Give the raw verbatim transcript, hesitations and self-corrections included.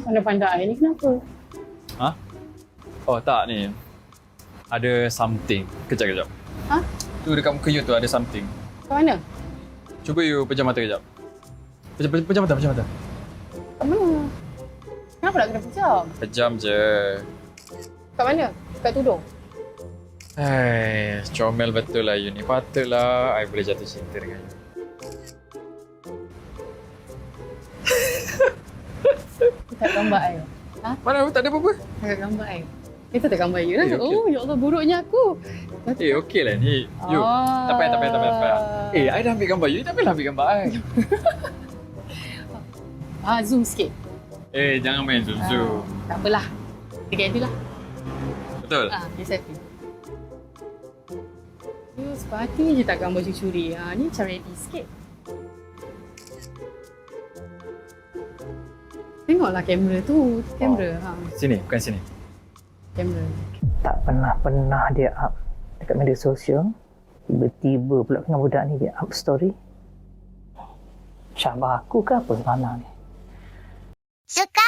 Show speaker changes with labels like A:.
A: Pandai-pandai ni kenapa?
B: Ha? Oh tak ni. Ada something. Kejap, kejap.
A: Ha?
B: Tu dekat muka you tu ada something.
A: Kat mana?
B: Cuba you pejam mata kejap. Pejam, pejam, pejam mata, pejam mata.
A: Kat mana? Kenapa nak kena pejam?
B: Pejam je.
A: Kat mana? Kat tudung?
B: Hai, comel betul lah you ni. Patutlah I boleh jatuh cinta dengan you.
A: Tak gambar I. Ha?
B: Mana tak ada apa-apa?
A: Tak gambar I. Kita tak gambar you lah.
B: Eh, okey.
A: Oh, ya Allah, buruknya aku.
B: Eh, okey lah ni. You,
A: Ah.
B: tak payah, tak payah, tak payah. Tak payah. Eh, I dah ambil gambar you. Tak payahlah ambil gambar I.
A: Ah, zoom sikit.
B: Eh, jangan main zoom-zoom.
A: Ah, tak apalah. Together lah.
B: Betul?
A: Ah, dia selfie. You sepati je tak gambar curi-curi. Ah, ni macam ready sikit. Tengoklah kamera tu. Kamera.
B: Oh.
A: Ha,
B: Sini, bukan sini.
A: kamera.
C: Tak pernah-pernah dia up dekat media sosial. Tiba-tiba pula dengan budak ni dia up story. Syabah aku ke apa mana ni?
D: suka